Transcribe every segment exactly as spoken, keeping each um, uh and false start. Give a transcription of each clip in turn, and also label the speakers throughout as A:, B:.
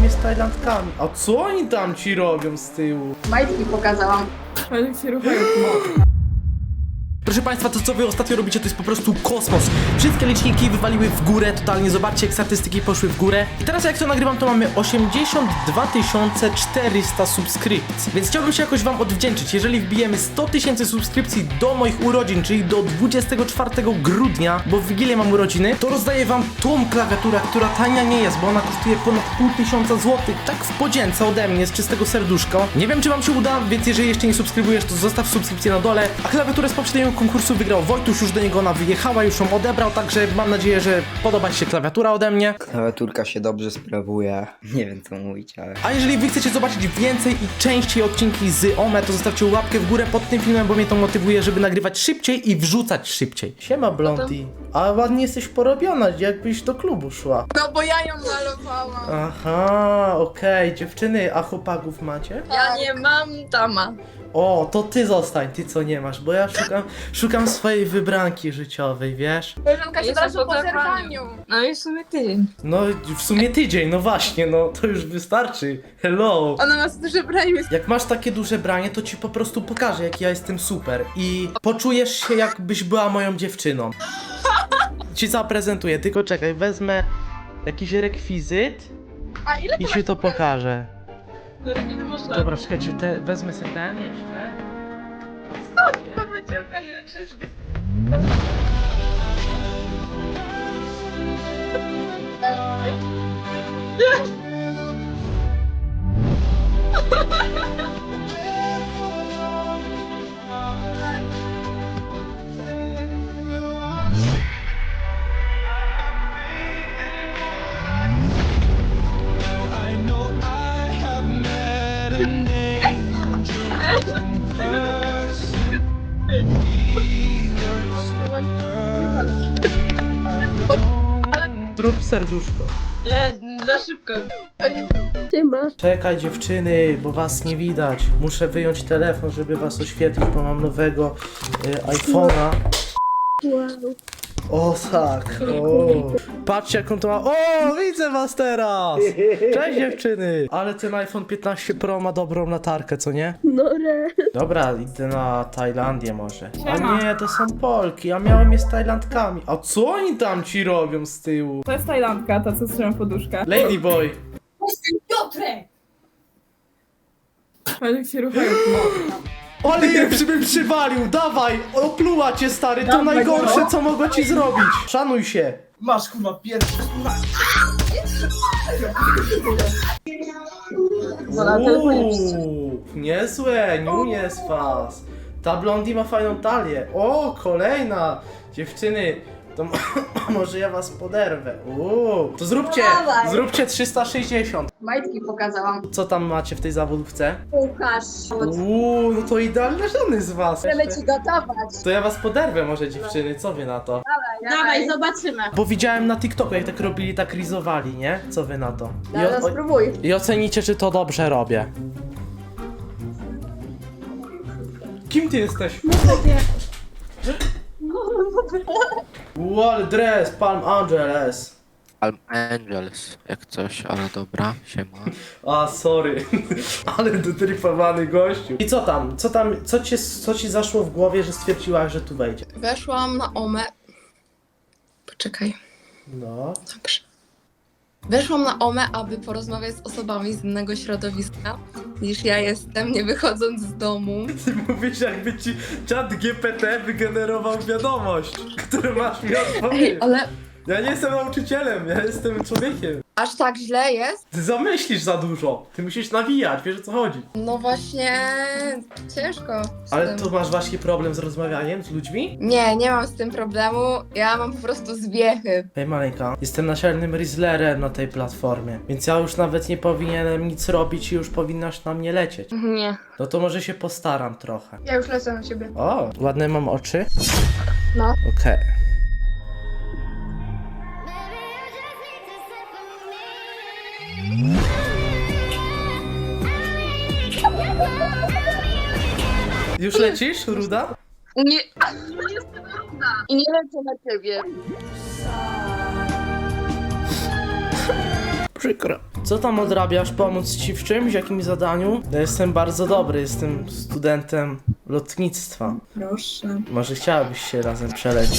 A: mnie z Tajlandkami. A co oni tam ci robią z tyłu?
B: Majtki pokazałam.
C: Ale się ruchają.
A: Proszę Państwa, to co wy ostatnio robicie to jest po prostu kosmos. Wszystkie liczniki wywaliły w górę, totalnie zobaczcie jak statystyki poszły w górę. I teraz jak to nagrywam to mamy osiemdziesiąt dwa tysiące czterysta subskrypcji. Więc chciałbym się jakoś wam odwdzięczyć. Jeżeli wbijemy sto tysięcy subskrypcji do moich urodzin, czyli do dwudziestego czwartego grudnia, bo w Wigilię mam urodziny, to rozdaję wam tą klawiaturę, która tania nie jest, bo ona kosztuje ponad pół tysiąca złotych. Tak w podzięce ode mnie, z czystego serduszka. Nie wiem czy wam się uda, więc jeżeli jeszcze nie subskrybujesz, to zostaw subskrypcję na dole. A klawiaturę z poprzedniego konkursu wygrał Wojtuś, już do niego ona wyjechała, już ją odebrał, także mam nadzieję, że podoba ci się klawiatura ode mnie.
D: Klawiaturka się dobrze sprawuje. Nie wiem co mówić, ale...
A: A jeżeli wy chcecie zobaczyć więcej i częściej odcinki z Ome, to zostawcie łapkę w górę pod tym filmem, bo mnie to motywuje, żeby nagrywać szybciej i wrzucać szybciej. Siema Blondie, a ładnie jesteś porobiona, jakbyś do klubu szła.
B: No bo ja ją malowałam.
A: Aha, okej, dziewczyny, a chłopaków macie?
B: Ja nie mam tama.
A: O, to ty zostań, ty co nie masz, bo ja szukam, szukam swojej wybranki życiowej, wiesz?
B: Koleżanka się
C: Jestem
B: teraz po
C: po
B: zerwaniu.
C: No i w sumie ty.
A: No, w sumie tydzień, no właśnie, no to już wystarczy. Hello.
B: Ona ma duże branie.
A: Jak masz takie duże branie, to ci po prostu pokażę, jak ja jestem super i poczujesz się, jakbyś była moją dziewczyną. Ci zaprezentuję, tylko czekaj, wezmę jakiś rekwizyt
B: A ile
A: i
B: to
A: ci to pokażę.
C: Nie można.
A: Dobra, czekajcie, te, wezmę sobie ten jeszcze. Zrób serduszko.
C: Nie, za szybko.
A: Czekaj dziewczyny, bo was nie widać. Muszę wyjąć telefon, żeby was oświetlić, bo mam nowego y, iPhone'a. O tak, o. Patrzcie jaką to ma. O, widzę was teraz! Cześć dziewczyny! Ale ten iPhone piętnaście Pro ma dobrą latarkę, co nie?
E: No re.
A: Dobra, idę na Tajlandię może. A
C: Siema.
A: nie, to są Polki, ja miałem je z Tajlandkami. A co oni tam ci robią z tyłu?
C: To jest Tajlandka, ta co trzyma poduszkę.
A: Ladyboy!
B: Piotrek!
C: Ale się ruchają.
A: Ale je bym przywalił, dawaj! Opluła cię stary, to
C: Dawaj,
A: najgorsze
C: no.
A: co mogło ci zrobić. Szanuj się.
F: Masz kurwa pierwszy.
A: Uuu, niezłe, niu jest was. Ta Blondie ma fajną talię. O, kolejna. Dziewczyny, to m- może ja was poderwę. Uuu, to zróbcie,
B: Dawaj.
A: zróbcie trzysta sześćdziesiąt.
B: Majtki pokazałam.
A: Co tam macie w tej zawodówce?
B: Łukasz.
A: Uuu, no to idealne żony z was.
B: Chcemy
A: Jeszcze.
B: ci gotować.
A: To ja was poderwę może dziewczyny, co wy na to?
B: Dawaj, zobaczymy.
A: Bo widziałem na TikToku jak tak robili, tak rizowali, nie? Co wy na to? I,
B: Zaraz
A: o-
B: spróbuj.
A: I ocenicie czy to dobrze robię. Kim ty jesteś? Wow, ale dres, Palm Angeles.
G: Palm Angels, jak coś, ale dobra, siema.
A: A, sorry. Ale dotrypowany gościu. I co tam? Co tam, co ci, co ci zaszło w głowie, że stwierdziłaś, że tu wejdzie?
H: Weszłam na Omę. Poczekaj,
A: No.
H: dobrze. Weszłam na Omę, aby porozmawiać z osobami z innego środowiska niż ja jestem, nie wychodząc z domu.
A: Ty mówisz jakby ci czat G P T wygenerował wiadomość, którą masz mi
H: Ej,
A: odpowiedzieć.
H: ale
A: Ja nie jestem nauczycielem, ja jestem człowiekiem.
H: aż tak źle jest?
A: Ty zamyślisz za dużo. Ty musisz nawijać, wiesz o co chodzi.
H: No właśnie, ciężko. z
A: Ale
H: tym.
A: to masz właśnie problem z rozmawianiem z ludźmi?
H: Nie, nie mam z tym problemu. Ja mam po prostu zwiechy.
A: Hej maleńka, jestem naczelnym Rizzlerem na tej platformie, więc ja już nawet nie powinienem nic robić i już powinnaś na mnie lecieć.
H: Nie.
A: No to może się postaram trochę.
B: Ja już lecę na ciebie.
A: O, ładne mam oczy?
B: No.
A: Okej. Już lecisz, Ruda?
B: Nie, nie jestem równa. I nie lecę na ciebie.
A: Przykro. Co tam odrabiasz? Pomóc ci w czymś? W jakimś zadaniu? Ja jestem bardzo dobry, jestem studentem lotnictwa.
C: Proszę.
A: Może chciałabyś się razem przelecieć?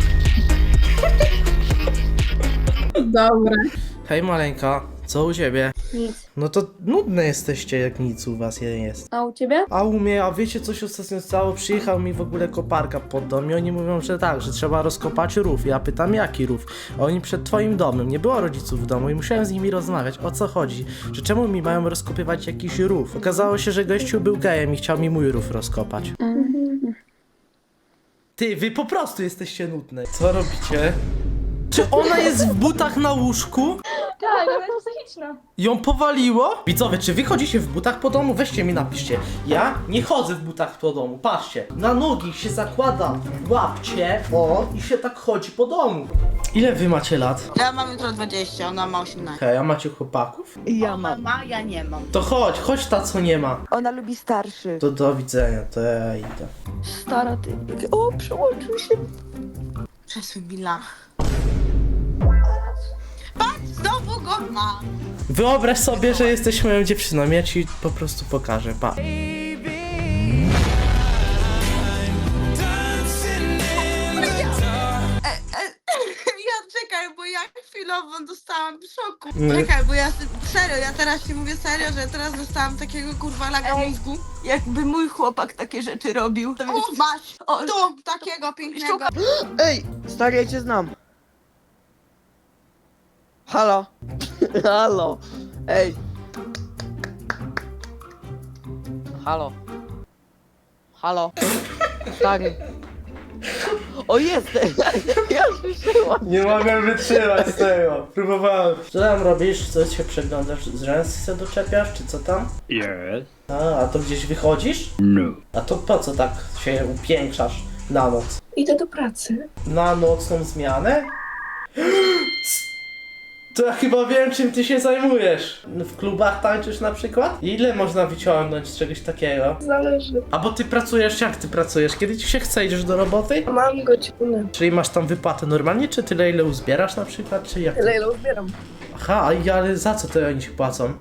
B: Dobra.
A: Hej maleńka, co u ciebie?
B: Nic.
A: No to nudne jesteście, jak nic u was nie jest.
B: A u ciebie?
A: A u mnie, a wiecie co się ostatnio stało? Przyjechał mi w ogóle koparka pod dom i oni mówią, że tak, że trzeba rozkopać rów. Ja pytam, jaki rów? A oni przed twoim domem, nie było rodziców w domu i musiałem z nimi rozmawiać, o co chodzi? Że czemu mi mają rozkopywać jakiś rów? Okazało się, że gościu był gejem i chciał mi mój rów rozkopać. Ty, wy po prostu jesteście nudne. Co robicie? Czy ona jest w butach na łóżku?
B: Tak, ona jest psychiczna.
A: Ją powaliło? Widzowie, czy wy chodzicie w butach po domu? Weźcie mi napiszcie. Ja nie chodzę w butach po domu. Patrzcie. Na nogi się zakłada łapcie, o, i się tak chodzi po domu. Ile wy macie lat?
E: Ja mam jutro dwadzieścia, ona ma osiemnaście.
A: Hej, a macie chłopaków?
F: Ja mam.
E: Ma, ja nie mam.
A: To chodź, chodź ta co nie ma.
F: Ona lubi starszy.
A: To do widzenia, to ja idę.
F: Stara ty. O, przełączył się.
E: Przesuń Billa. Patrz, znowu go mam.
A: Wyobraź sobie, że jesteś moją dziewczyną, ja ci po prostu pokażę, pa.
E: Ja czekaj, bo ja chwilowo dostałam szoku.
A: Nie.
E: Czekaj, bo ja serio, ja teraz ci mówię serio, że teraz dostałam takiego kurwa laga mózgu.
F: Jakby mój chłopak takie rzeczy robił. To
E: O, masz!
F: O,
E: Tu, takiego pięknego.
I: Ej, stary, ja cię znam. Halo? Halo? Ej. Halo? Halo? Stary. O, jestem! Ja słyszałam.
A: Nie mogę wytrzymać z tego. Próbowałem. Co tam robisz? Co się przeglądasz? Z rzęs się doczepiasz, czy co tam?
J: Yes.
A: A, a to gdzieś wychodzisz?
J: No.
A: A to po co tak się upiększasz na noc?
C: Idę do pracy.
A: Na nocną zmianę? To ja chyba wiem, czym ty się zajmujesz. W klubach tańczysz na przykład? Ile można wyciągnąć z czegoś takiego?
C: Zależy.
A: A bo ty pracujesz, jak ty pracujesz? Kiedy ci się chce, idziesz do roboty?
C: Mam godzinę.
A: Czyli masz tam wypłatę normalnie, czy tyle ile uzbierasz na przykład, czy jak?
C: Tyle ile uzbieram.
A: Aha, i- ale za co to oni ci płacą?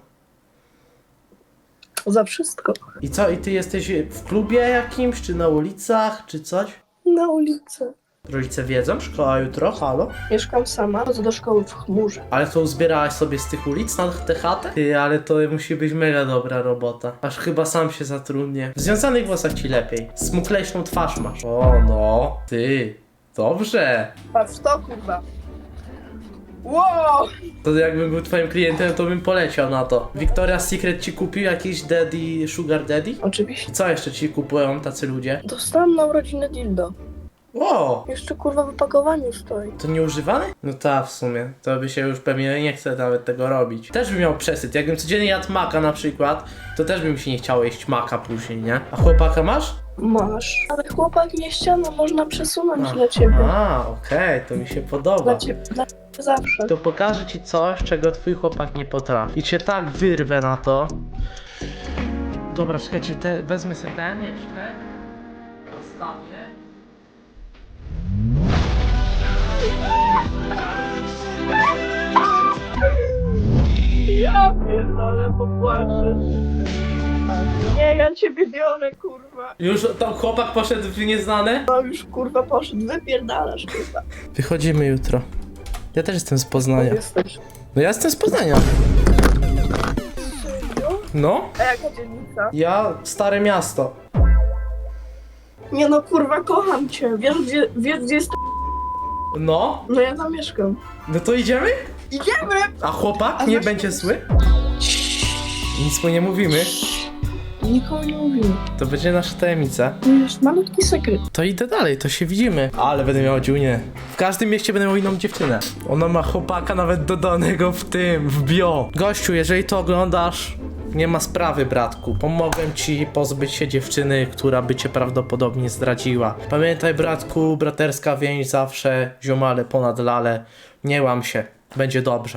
C: Za wszystko.
A: I co, i ty jesteś w klubie jakimś, czy na ulicach, czy coś?
C: Na ulicy.
A: Rodzice wiedzą? Szkoła jutro? Halo?
C: Mieszkam sama, chodzę do szkoły w chmurze.
A: Ale to uzbierałaś sobie z tych ulic na tę chatę? Ty, ale to musi być mega dobra robota. Aż chyba sam się zatrudnię. W związanych włosach ci lepiej. Smuklejszą twarz masz. O no, ty. Dobrze.
C: Patrz to, kurwa. Wow!
A: To jakbym był twoim klientem, to bym poleciał na to. Victoria's Secret ci kupił jakiś daddy, sugar daddy?
C: Oczywiście.
A: Co jeszcze ci kupują tacy ludzie?
C: Dostałam na urodziny dildo.
A: O!
C: Jeszcze kurwa w opakowaniu stoi.
A: To nieużywany? No tak, w sumie. To by się już pewnie nie chce nawet tego robić. Też bym miał przesyt. Jakbym codziennie jadł maka na przykład, to też by mi się nie chciało jeść maka później, nie? A chłopaka masz?
C: Masz. Ale chłopak nie ściana, można przesunąć
A: A.
C: dla ciebie.
A: A, okej, to mi się podoba.
C: Dla ciebie. Dla ciebie zawsze.
A: To pokażę ci coś, czego twój chłopak nie potrafi. I cię tak wyrwę na to. Dobra, czekajcie, te, wezmę sobie ten jeszcze. Zostawię.
C: Ja pierdolę, popłaczę. Nie, ja ciebie biorę, kurwa.
A: Już tam chłopak poszedł w nieznane?
C: No już kurwa poszedł, wypierdalasz, kurwa.
A: Wychodzimy jutro. Ja też jestem z Poznania.
C: Jesteś.
A: No ja jestem z Poznania. No?
C: A jaka dzielnica?
A: Ja, Stare Miasto.
C: Nie no, kurwa, kocham cię. Wiesz gdzie, wiesz, gdzie jest...
A: No?
C: No ja tam mieszkam.
A: No to idziemy?
C: Idziemy!
A: A chłopak
C: A
A: nie
C: właśnie-
A: będzie zły? Nic mu nie mówimy.
C: Nikomu nie mówimy.
A: To będzie nasza tajemnica.
C: To jest malutki sekret.
A: To idę dalej, to się widzimy. Ale będę miał dziunię. W każdym mieście będę miał inną dziewczynę. Ona ma chłopaka nawet dodanego w tym, w bio. Gościu, jeżeli to oglądasz, nie ma sprawy, bratku. Pomogłem ci pozbyć się dziewczyny, która by cię prawdopodobnie zdradziła. Pamiętaj, bratku, braterska więź zawsze, ziomale ponad lale. Nie łam się, będzie dobrze.